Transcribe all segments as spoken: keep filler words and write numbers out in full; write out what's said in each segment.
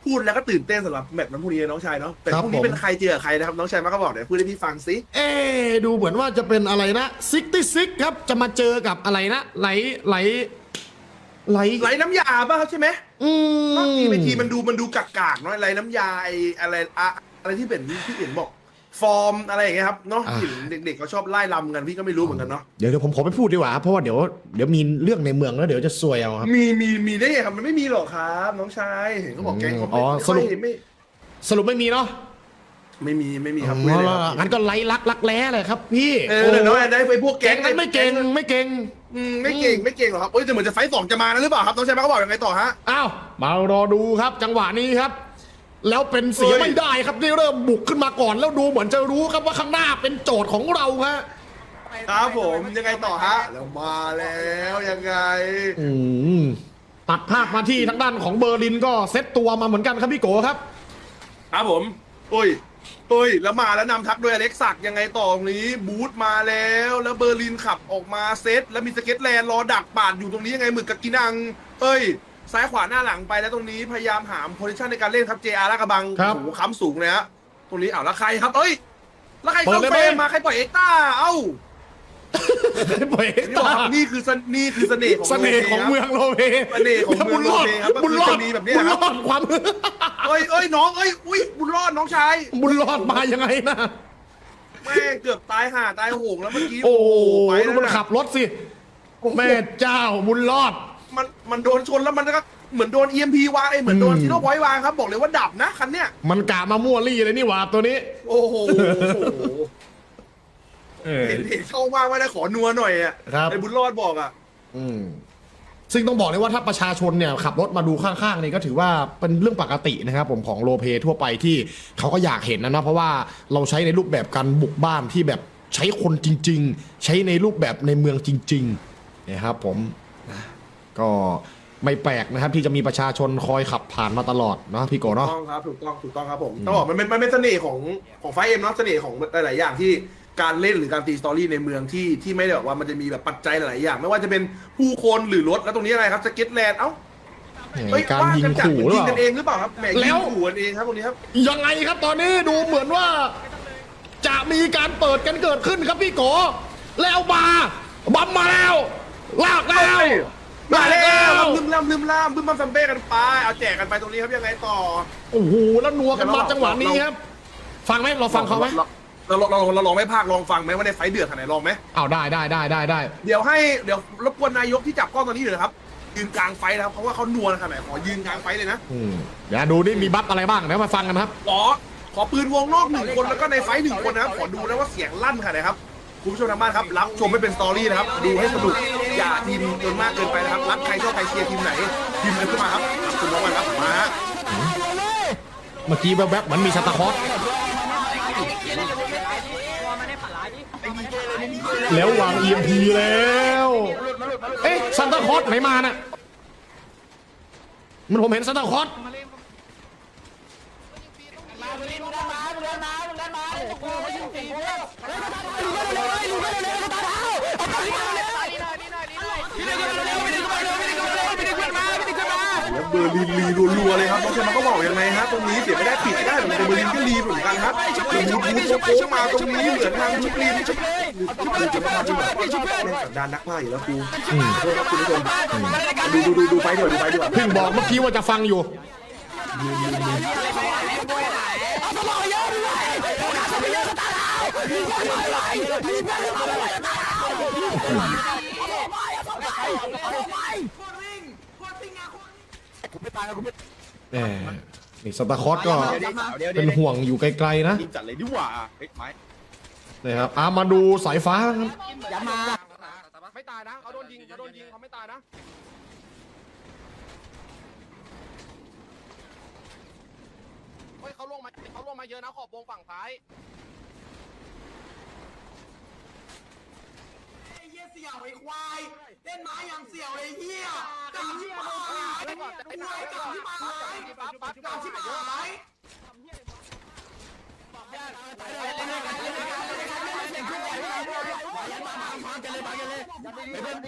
พูดแล้วก็ตื่นเต้นสำหรับแมตช์นั้นพรุ่งนี้น้องชายเนาะแต่พรุ่งนี้เป็นใครเจอใครนะครับน้องชายมาก็บอกเดี๋ยวพูดให้พี่ฟังสิเอ๊ดูเหมือนว่าจะเป็นอะไรนะซิกตี้ซิกครับจะมาเจอกับอะไรนะไหลไหลไหลไหลน้ำยาป่ะครับใช่ไหมอืมทีไปทีมันดูมันดูกากๆเนาะไหลน้ำยาไออะไรอะอะไรที่เป็นที่เห็นบอกฟอร์มอะไรอย่างเงี้ยครับเนาะที่เด็กๆเขาชอบไล่ลำกันพี่ก็ไม่รู้เหมือนกันเนาะเดี๋ยวเดี๋ยวผมขอไปพูดดีกว่าเพราะว่าเดี๋ยวเดี๋ยวมีเรื่องในเมืองแล้วเดี๋ยวจะซวยเอาครับมีมีมีได้ไงครับมันไม่มีหรอกครับน้องชายเห็นเขาบอกแก๊งเขาไม่สรุปไม่สรุปไม่มีเนาะไม่มีไม่มีครับไม่เลยครับงั้นก็ไล่ลักลักแร้เลยครับพี่เออเนาะได้ไปพวกแก๊งนั้นไม่เก่งไม่เก่งไม่เก่งไม่เก่งหรอกครับเอ้ยแต่เหมือนจะไฟสองจะมานะหรือเปล่าครับน้องชายมาก็บอกยังไงต่อฮะอ้าวมารอดูครับจังหวะนี้ครับแล้วเป็นเสียไม่ได้ครับนี่เริ่มบุกขึ้นมาก่อนแล้วดูเหมือนจะรู้ครับว่าข้างหน้าเป็นโจทย์ของเราฮะครับผมยังไงต่อฮะแล้วมาแล้วยังไงตัดภาพมาที่ทางด้านของเบอร์ลินก็เซตตัวมาเหมือนกันครับพี่โกครับครับผมโอ้ยโอ้ยแล้วมาแล้วนำทักโดยอเล็กซักยังไงต่อตรงนี้บูธมาแล้วแล้วเบอร์ลินขับออกมาเซตแล้วมีสเก็ตแลนด์รอดักปาดอยู่ตรงนี้ยังไงหมึกกับกินังเอ้ยซ้ายขวาหน้าหลังไปแล้วตรงนี้พยายามหาโพซิชันในการเล่นครับ เจ อาร์ ลากระบังโอ้โหค้ำสูงเลยฮะตรงนี้อ้าวแล้วใครครับเอ้ยแล้วใครเข้าเฟรมมาใครปล่อยเอ็กต้าเอ้าปล่อยเอ็กต้านี่คือนี่คือเสน่ห์ของเสน่ห์ของเมืองโลเปเสน่ห์ของเมืองโลเปครับบุญรอดแบบนี้ครับบุญรอดความเอ้ยเอ้ยน้องเอ้ยอุ้ยบุญรอดน้องชายบุญรอดมายังไงนะแม่เกือบตายห่าตายโหงแล้วเมื่อกี้โอ้ไปแล้วมันขับรถสิแม่เจ้าบุญรอดมันมันโดนชนแล้วมันก็เหมือนโดน อี เอ็ม พี วางไอ้เหมือนโดนซีโร่พอยต์วางครับบอกเลยว่าดับนะคันเนี้ยมันกะมามั่วรี่เลยนี่หว่าตัวนี้โอ้โหเห็นเห็นเข้าว่างไม่ได้ขอนัวหน่อยอ่ะไอ้บุญรอดบอกอ่ะซึ่งต้องบอกเลยว่าถ้าประชาชนเนี่ยขับรถมาดูข้างๆนี่ก็ถือว่าเป็นเรื่องปกตินะครับผมของโลเปทั่วไปที่เขาก็อยากเห็นนะเนาะเพราะว่าเราใช้ในรูปแบบการบุกบ้านที่แบบใช้คนจริงๆใช้ในรูปแบบในเมืองจริงๆนะครับผมก็ไม่แปลกนะครับที่จะมีประชาชนคอยขับผ่านมาตลอดเนาะพี่โกเนาะถูกต้องครับถูกต้องถูกต้องครับผมต้องบอกมันเป็นมันเป็นเสน่ห์ของของไฟเอ็มเนาะเสน่ห์ของหลายๆอย่างที่การเล่นหรือการตีสตอรี่ในเมืองที่ที่ไม่ได้แบบว่ามันจะมีแบบปัจจัยหลายๆอย่างไม่ว่าจะเป็นผู้คนหรือรถแล้วตรงนี้อะไรครับสเก็ตแลนด์เอ้าการยิงขู่หรือเปล่ายิงกันเองหรือเปล่าครับแหมยิงขู่กันเองครับตรงนี้ครับยังไงครับตอนนี้ดูเหมือนว่าจะมีการเปิดกันเกิดขึ้นครับพี่โกแล้วมาบัมมาแล้วลากแล้วมาแล้วลืมล่ำลืมล่ำบึ้มบัมซัมเบ้กันไปเอาแจกกันไปตรงนี้ครับยังไงต่อโอ้โหแล้วนัวกันมาจังหวะนี้ครับฟังไหมเราฟังเขาไหมเราเราเราลองไม่พากลองฟังไหมว่าในไฟเดือดขนาดไหนลองไหมเอาได้ได้ได้ได้ได้เดี๋ยวให้เดี๋ยวรบกวนนายกที่จับกล้องตอนนี้เลยครับยืนกลางไฟนะครับเพราะว่าเขานัวขนาดไหนขอยืนกลางไฟเลยนะเดี๋ยวดูนี่มีบัฟอะไรบ้างเดี๋ยวมาฟังกันครับขอขอปืนวงนอกหนึ่งคนแล้วก็ในไฟหนึ่งคนนะครับขอดูนะว่าเสียงลั่นขนาดไหนครับคุณผู้ชมทางบ้านครับรับชมไม่เป็นสตอรี่นะครับดูให้สนุกอย่าทีมจนมากเกินไปนะครับรักใครชอบใครเชียร์ทีมไหนทีมนั้นขึ้นมาครับคุณน้องกันครับมาฮะเมื่อกี้แวบๆเหมือนมีสตาร์คอสแล้ววาง อี เอ็ม พี แล้วเอ๊ะซันตาคอสไหนมาน่ะมันผมเห็นซันตาคอสแล้วเบอร์ลินรีรัวๆเลยครับน้องเชมาก็บอกยังไงฮะตรงนี้เสียไม่ได้ปิดได้เหมือนเบอร์ลินก็รีเหมือนกันครับแล้วบูทบูทโค้งมาตรงนี้เหมือนทางชุบลีนชุบลีนจะมาทำแบบเล่นสันดานนักมากอยู่แล้วครูโทษครับคุณผู้ชมดูดูดูดูไฟเดี๋ยวดูไฟเดี๋ยวเพิ่งบอกเมื่อกี้ว่าจะฟังอยู่แหมนี่สตาร์คอสก็เป็นห่วงอยู่ไกลๆนะจัดเลยดีกว่านะครับอามาดูสายฟ้าครับอย่ามาไม่ตายนะเขาโดนยิงเขาโดนยิงเขาไม่ตายนะเฮ้ยเขาลงมาเขาลงมาเยอะนะขอบวงฝั่งซ้ายเสี่ยวไอ้ควายเล่นไม้อย่างเสี่ยวไอ้เหี้ยกาชิบหายกาชิบหายกาชิบหายกาชิบหาย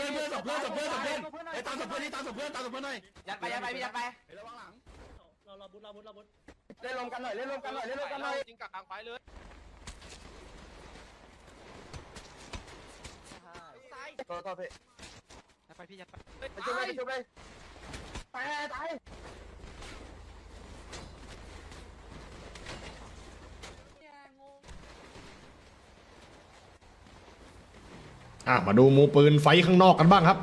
ยัดไปยัดไปยัดไประวังหลังเราเราเล่นลมกันหน่อยเล่นลมกันหน่อยเล่นลมกันหน่อยจริงกับกลางไฟเลยต่อต่อพี่ไปพี่ยัดไปไปช่วยไปช่วยไปตายตายอ่ะมาดูมูปืนไฟข้างนอกกันบ้างครับ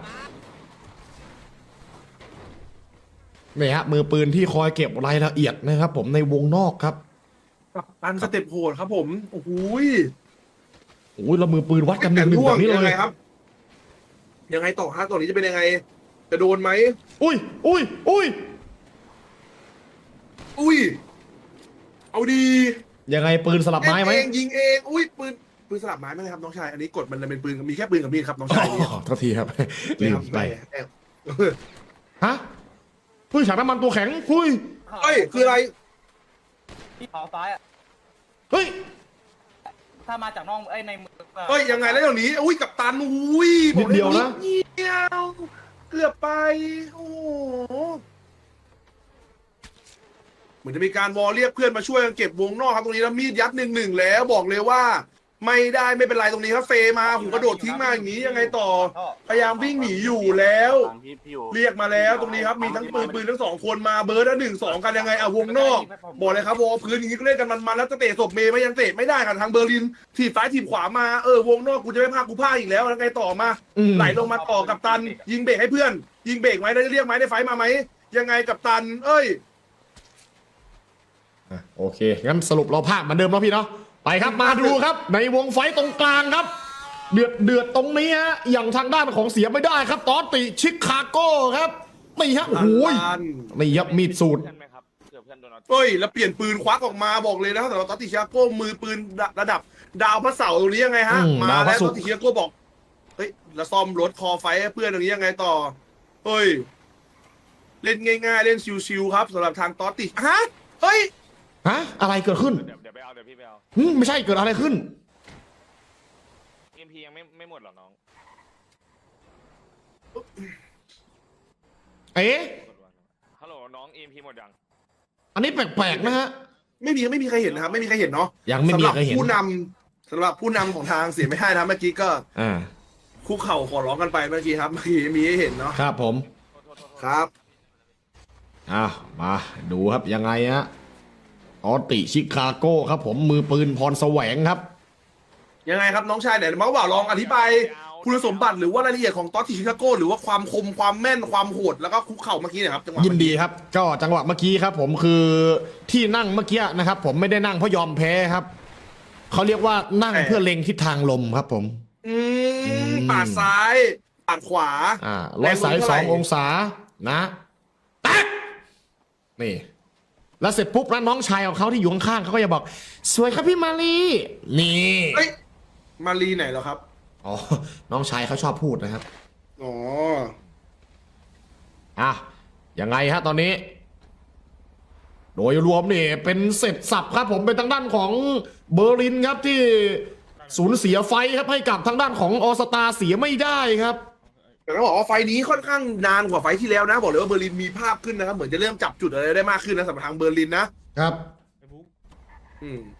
นี่ฮะมือปืนที่คอยเก็บรายละเอียดนะครับ ผมในวงนอกครับกับตันสเต็ปโหดครับผมโอ้โหโอ้ยแล้วมือปืนวัดกันหนึ่งหนึ่งแบบนี้เลยังไงยครับ ยังไงต่อฮะตอนนี้จะเป็นยังไง จะโดนไหมอุ้ยอุ้ยอุ้ยอุ้ย เอาดียังไงปืนสลับไม้ไหมเองยิงเอง อุ้ยปืนปืนสลับไม้ไหมครับน้องชาย อันนี้กดมันเป็นปืนมีแค่ปืนกับมีดครับน้องอ๋ชายเนี่ยอโทษทีครับลืไม่คมรับไปแอบฮะเฮ้ยฉากน้ำมันตัวแข็งเฮ้ยเฮ้ยคืออะไรที่ขอซ้ายอ่ะเฮ้ยถ้ามาจากน้องไอ้ในมือเฮ้ยยังไงแล้วเดี๋ยวนี้อุ้ยกับตันอุ้ยบนิอกดลเดียวนะนิดเดียวเกือบไปโอ้โหเหมือนจะมีการวอลเรียกเพื่อนมาช่วยกันเก็บวงนอกครับตรงนี้แล้วมีดยัดหนึ่งหนึ่งแล้วบอกเลยว่า ไม่ได้ไม่เป็นไรตรงนี้ครับเฟมาหูกระโดดทิ้งมาอย่างนี้ยังไงต่อ พยายามวิ่งหนีอยู่แล้ว เรียกมาแล้วตรงนี้ครับมีทั้งปืนปืนทั้งสองคนมาเบิร์ดแล้วหนึ่งสองกันยังไงอ่ะวงนอก บอกเลยครับวอลพื้นอย่างนี้ก็เล่นกันมันๆแล้วจะเตะศพเมย์ไม่ยังเตะไม่ได้ค่ะทางเบอร์ลินถีบซ้ายถีบขวามาเออวงนอกกูจะไม่พากูพาอีกแล้วแล้วไงต่อมาอืมไหลลงมาต่อกับตัน ยิงเบรกให้เพื่อน ยิงเบรกไหมได้เรียกไหมได้ไฟมาไหมยังไงกับตัน เอ้ยอ่ะโอเคงั้นสรุปเราภาคเหมือนเดิมแล้วพี่เนาะไปครับมาดูครับ ในวงไฟตรงกลางครับ เดือดเดือดตรงนี้ฮะอย่างทางด้านของเสียไม่ได้ครับตอตติชิคาโก้ครับนี่ฮะโอ้โหยตันนี่ครับมีดสูตรเพื่อนไหมครับเผื่อเพื่อนโดนเอาเอ้ยแล้วเปลี่ยนปืนควักออกมาบอกเลยนะครับแต่ว่าตอตติชิคาโก้มือปืนระดับ ดาวพระเสาร์ตรงนี้ยังไงฮะอืมมาดาวพแล้ระวศุตกอร์ตติชิคาโก้บอกเฮ้ยแล้วซ่อมรถคอไฟให้เพื่อนตรงนี้ยังไงต่อเฮ้ยเล่นง่ายๆเล่นชิวๆครับสำหรับทางตอตติฮะเฮ้ยฮะอะไรเกิดขึ้นเดี๋ยวเดี๋ยวไปเอาเดี๋ยวพี่ไปเอาหึไม่ใช่เกิดอะไรขึ้นเอ็มพียังไม่ไม่หมดหรอน้องเอ๊ะฮัลโหลน้องเอ็มพีหมดยังอันนี้แปลกๆนะฮะไม่มีไม่มีใครเห็นนะครับไม่มีใครเห็นเนาะยังไม่มีสำหรับใครเห็นผู้นำสำหรับผู้นำของทางเสียไม่ได้นะเมื่อกี้ก็อ่าคุกเข่าขอร้องกันไปเมื่อกี้ครับเมื่อกี้มีให้เห็นเนาะครับผมครับอ่ะมาดูครับยังไงฮะตอตติชิคาโก้ครับผมมือปืนพรแสวงครับยังไงครับน้องชายเดี๋ยวมาบ่าวลองอธิบายคุณสมบัติหรือว่ารายละเอียดของตอตติชิคาโก้หรือว่าความคมความแม่นความโหดแล้วก็คุกเข่าเมื่อกี้เนะครับจังหวะยินดีครับ ก็จังหวะเมื่อกี้ครับ ผมคือที่นั่งเมื่อกี้นะครับ ผมไม่ได้นั่งเพราะยอมแพ้ครับเขาเรียกว่านั่งเพื่อเล็งทิศทางลมครับผมอืมปาดซ้ายปาดขวาอ่าร้อยสายสององศานะแตะนี่ แล้วเสร็จปุ๊บแล้วน้องชายของเขาที่อยู่ข้างๆเขาก็จะบอก สวยครับพี่มารีนี่เฮ้ยมารีไหนเหรอครับอ๋อน้องชายเขาชอบพูดนะครับอ๋ออ่ะยังไงฮะตอนนี้ โดยรวมนี่เป็นเสร็จสับครับผมเป็นทางด้านของเบอร์ลินครับที่สูญเสียไฟครับให้กับทางด้านของออสตาเสียไม่ได้ครับแต่ต้องบอกว่าไฟล์นี้ค่อนข้างนานกว่าไฟล์ที่แล้วนะ บอกเลยว่าเบอร์ลินมีภาพขึ้นนะครับเหมือนจะเริ่มจับจุดอะไรได้มากขึ้นนะสำหรับทางเบอร์ลินนะครับ อืม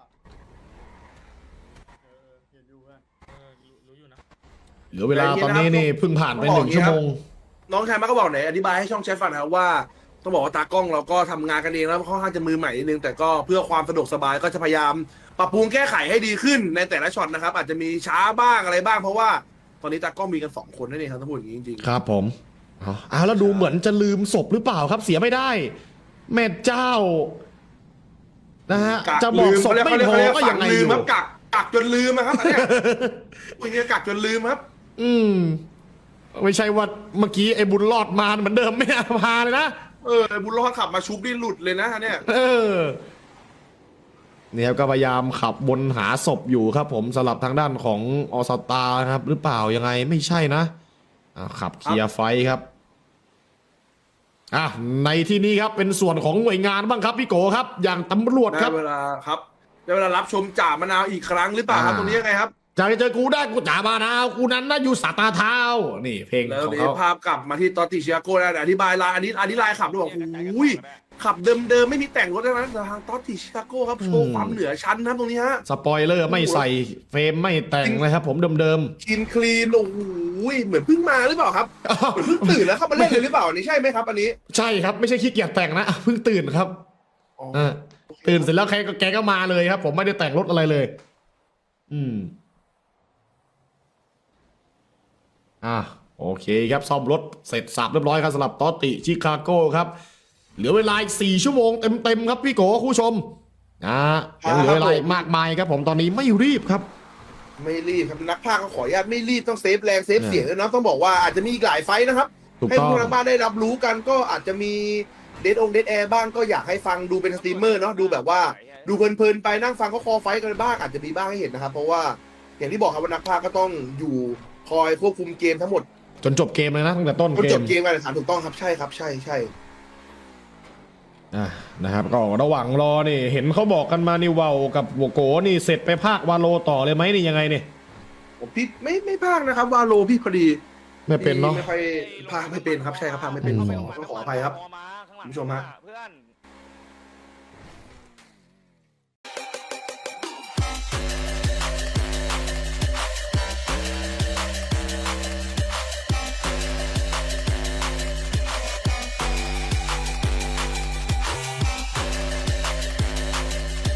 เหลือเวลาตอนนี้นี่เพิ่งผ่านไปหนึ่งชั่วโมงน้องชายมาก็บอกไหนอธิบายให้ช่องแชทฟังนะครับว่าต้องบอกว่าตากล้องเราก็ทำงานกันเองแล้วค่อนข้างจะมือใหม่นิดนึงแต่ก็เพื่อความสะดวกสบายก็จะพยายามปรับปรุงแก้ไขให้ดีขึ้นในแต่ละช็อตนะครับอาจจะมีช้าบ้างอะไรบ้างเพราะว่าตอนนี้ตากล้องมีกันสองคนนั่นเองครับทั้งหมดอย่างนี้จริงครับผมเอาเอาแล้วดูเหมือนจะลืมศพหรือเปล่าครับเสียไม่ได้ แม่เจ้านะฮะๆกักจะบอกลืมศพเขาเรียกไม่เขาเรียกพอเขาเรียกก็ฝัยัง งไงลือมยู่ครับกักกักจนลืมนะครับอันเนี้ยอุ้ยเนี่ยกักจนลืมครับอืมไม่ใช่ว่าเมื่อกี้ไอ้บุญรอดมาเหมือนเดิมไม่เอาพาเลยนะเออไอ้บุญรอดขับมาชุบนี่หลุดเลยนะอันเนี่ยเออเนี่ยครับก็พยายามขับบนหาศพอยู่ครับ ผมสำหรับทางด้านของออสตาครับ หรือเปล่ายังไงไม่ใช่นะอ่าขับเคลียร์ไฟครับอ่ะในที่นี้ครับเป็นส่วนของหน่วยงานบ้างครับพี่โกครับ อย่างตำรวจคได้รับเวลาครับได้เวลารับชมจ่ามะนาวอีกครั้งหรือเปล่าครับอ่าตรงนี้ยังไงครับจะเจอกูได้กูจ่าบานาวกูนั้นนะอยู่สาตาเท้านี่เพลงแล้วของนี้เขาภาพกลับมาที่ตอตติชิอาโก้แล้วอธิบายลายอันนี้อันนี้ลายขับด้วยบอกอุ้ยขับเดิมๆไม่มีแต่งรถนะแต่ทางตอสติชิคาโก้ครับโชว์ความเหนือชั้นนะครับตรงนี้ฮะสปอยเลอร์ไม่ใส่เฟรมไม่แต่งนะครับผมเดิมกินคลีนโอ้โหเหมือนเพิ่งมาหรือเปล่าครับๆอ้าวเหมือนเพิ่งตื่นแล้วเข้ามาเล่นเลยหรือเปล่าอันนี้ใช่ไหมครับอันนี้ใช่ครับไม่ใช่ขี้เกียจแต่งนะเพิ่งตื่นครับอ๋ออ่าตื่นเสร็จแล้วแกก็แกก็มาเลยครับ ผมไม่ได้แต่งรถอะไรเลย อืมอ่ะโอเคครับซ่อมรถเสร็จสับเรียบร้อยครับสำหรับตอตติชิคาโก้ครับเหลือเวลาอีกสี่ชั่วโมงเต็มๆครับพี่โกคุณผู้ชมนะยังเหลือเวลาอีกมากมายครับ ผมตอนนี้ไม่รีบครับไม่รีบครับนักพากย์ก็ขออนุญาตไม่รีบต้องเซฟแรงเซฟเสียงด้วยนะต้องบอกว่าอาจจะมีอีกหลายไฟท์นะครับถูกให้ต้องผู้ทางบ้านได้รับรู้กันก็อาจจะมีเดดองเดดแอร์บ้างก็อยากให้ฟังดูเป็นสตรีมเมอร์เนาะดูแบบว่าดูเพลินๆไปนั่งฟังเขาคอไฟท์กันบ้างอาจจะมีบ้างให้เห็นนะครับ เพราะว่าอย่างที่บอกครับว่านักพากย์ก็ต้องอยู่คอยควบคุมเกมทั้งหมดจนจบเกมเลยนะตั้งแต่ต้นจนเกจมบเกมการแข่งขันถูกต้องครับใช่ครับใช่ใช่อ่ะนะครับก็ระหว่างรอนี่เห็นเขาบอกกันมานี่เวากับโวโกนี่เสร็จไปภาควาโลต่อเลยไหมนี่ยังไงเนี่ยผมพี่ไม่ไม่พากย์นะครับวาโลพี่พอดีไม่เป็นเนาะไม่ค่อยพากย์ไม่เป็นครับใช่ครับพากย์ไม่เป็นอืมขอต้องขออภัยครับมาข้างหลังคุณผู้ชมฮะเพื่อน